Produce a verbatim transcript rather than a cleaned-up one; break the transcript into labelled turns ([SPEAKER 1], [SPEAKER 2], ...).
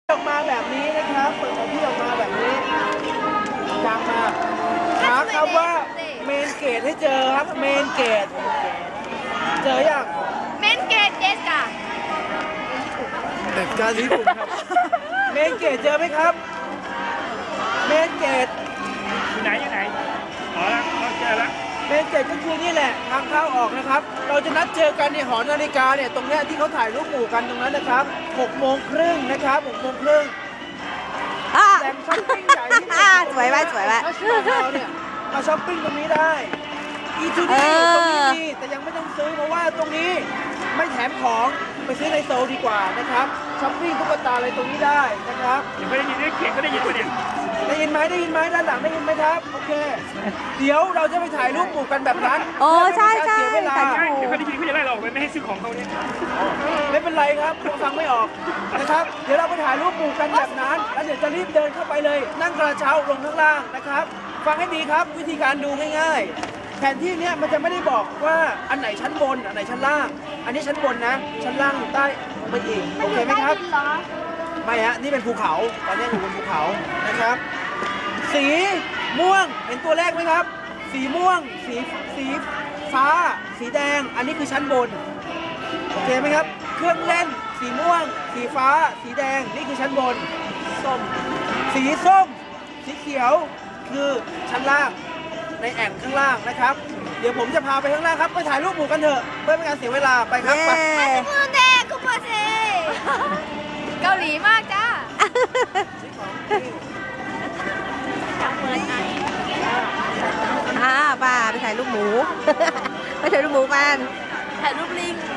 [SPEAKER 1] ออกมาแบบนี้นะครับเปิดแผนที่ออกมาแบบนี้จำมาหาคำว่าเมนเกตให้เจอครับเมนเกตเจอยัง
[SPEAKER 2] เมนเกตเจสค่ะ
[SPEAKER 1] แต่การญี่ปุ่นครับเมนเกตเจอไหมครับเมนเกต
[SPEAKER 3] อยู่ไหนอยู่ไหนอ๋อแล้วเราเจอแล้ว
[SPEAKER 1] เมนเกตก็คือนี่แหละทางเข้าออกนะครับเราจะนัดเจอกันในหอนาฬิกาเนี่ยตรงเนี้ยที่เขาถ่ายรูปหมู่กันตรงนั้นนะครับหกโมงครึ่งนะครับหกโมงครึ่ง
[SPEAKER 4] อ่ะ
[SPEAKER 1] แหล่งช้อปปิ้งใหญ่ที่สุด
[SPEAKER 4] อ่ะสวยไหมสวยไหม
[SPEAKER 1] ถ้าชอบเราเนี่ยมาช้อปปิ้งตรงนี้ได้อีทู
[SPEAKER 4] เอ
[SPEAKER 1] ดี
[SPEAKER 4] อ
[SPEAKER 1] ตรงนี้ดีแต่ยังไม่ต้องซื้อเพราะว่าตรงนี้ไม่แถมของไปซื้อในโซลดีกว่านะครับช้อปปิ้งตุ๊กตาอะไรตรงนี้ได้นะครับ
[SPEAKER 3] ยังไม่ได้ยินได้เขียนก็ได้ยินประเด็น
[SPEAKER 1] ได้ยินไหมได้ยินไหมด้านหลังได้ยินไหมครับโอเคเดี๋ยวเราจะไปถ่ายรูปหมู่กันแบบนั้น
[SPEAKER 4] โอ้ใช่ใช่
[SPEAKER 1] เพื่อไม่ให้การเสียเวลา
[SPEAKER 4] ถ่ายรูป
[SPEAKER 3] เดี๋ยวเขาได้ยินเขาจะไล่เราออกไปไม่ให้ซื้อของเขาเนี่ย
[SPEAKER 1] ไม่เป็นไรครับฟังไม่ออกนะครับ เดี๋ยวเราไปถ่ายรูปหมู่กันแบบนั้น แล้วเดี๋ยวจะรีบเดินเข้าไปเลย นั่งกระเช้าลงข้างล่างนะครับ ฟังให้ดีครับวิธีการดูง่ายๆ แผนที่เนี้ยมันจะไม่ได้บอกว่าอันไหนชั้นบน อันไหนชั้นล่าง อันนี้ชั้นบนนะ ชั้นล่างอยู่ใต้ลงไปอีก โอเคไหมครับ
[SPEAKER 2] เหรอ
[SPEAKER 1] ไม่ฮะ นี่เป็นภูเขา ตอนนี้อยู่บนภูเขานะครับ สีม่วง เห็นตัวแรกไหมครับ สีม่วง สีสีฟ้า สีแดง อันนี้คือชั้นบน โอเคไหมครับ เครื่องเล่น สีม่วง สีฟ้า สีแดง นี่คือชั้นบน ส้ม สีส้ม สีเขียว คือชั้นล่าง ในแอ่งข้างล่างนะครับ เดี๋ยวผมจะพาไปข้างล่างครับ ไปถ่ายรูปหมู่กันเถอะเพื่อไม่เป็นการเสียเวลา ไปครับ ไป
[SPEAKER 4] เย้
[SPEAKER 2] มูเดคุโปเซเกาหลีมากจ้า
[SPEAKER 4] อ่าป้าไปถ่ายรูปหมู ไปถ่ายรูปหมูกัน
[SPEAKER 2] ถ่ายรูปลิง